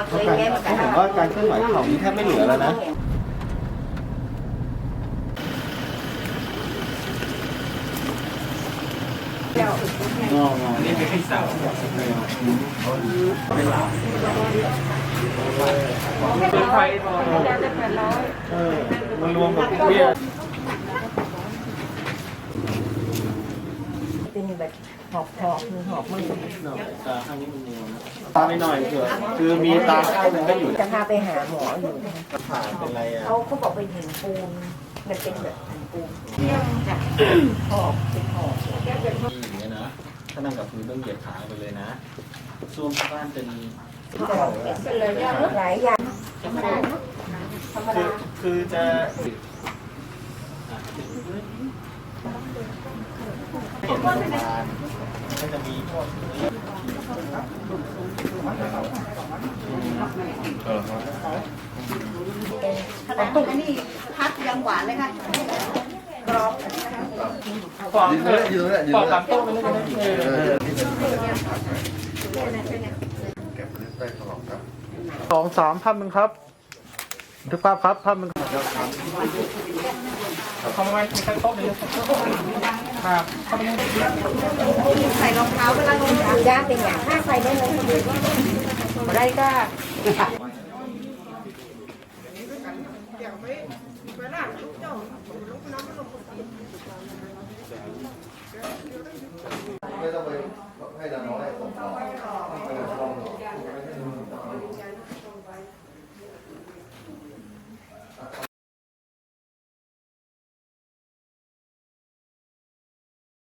ผมว่าการเคลื่อนไหวของนี่แทบไม่เหลือแล้วนะนี่เป็นที่สาวเป็นไฟมันรวมกับเบี้ยเป็นแบบหอบมือหอบมือตาข้างนี้มันมัวนะตาไม่หน่อยเถอะคือมีตาข้างนึงก็อยู่จะพาไปหาหมออยู่ผ่านเป็นไรอ่ะเขาบอกเป็นหินปูนมันเป็นแบบหินปูนจ้ะหอบเป็นหอบอย่างเงี้ยนะถ้านั่งกับพื้นต้องเหยียดขาไปเลยนะซ่วมบ้านเป็นหลายอย่างคือจะเห็นโรงพยาบาลก็จะมีพวกตุ้งนี่พัดยังหวานเลยค่ะกรอบยืนเลยยืนเลยยืนเลยโต๊ะมันเลยเก็บได้ตลอดครับ 2-3ภาพมึงครับทุกภาพครับภาพมึงทำไมมีใครโต๊ะเลยครับใส่รองเท้าเวลาลงย่างเป็นอย่างถ้าใส่ได้เลยได้ก็ไม่ต้องไปให้นานน้อย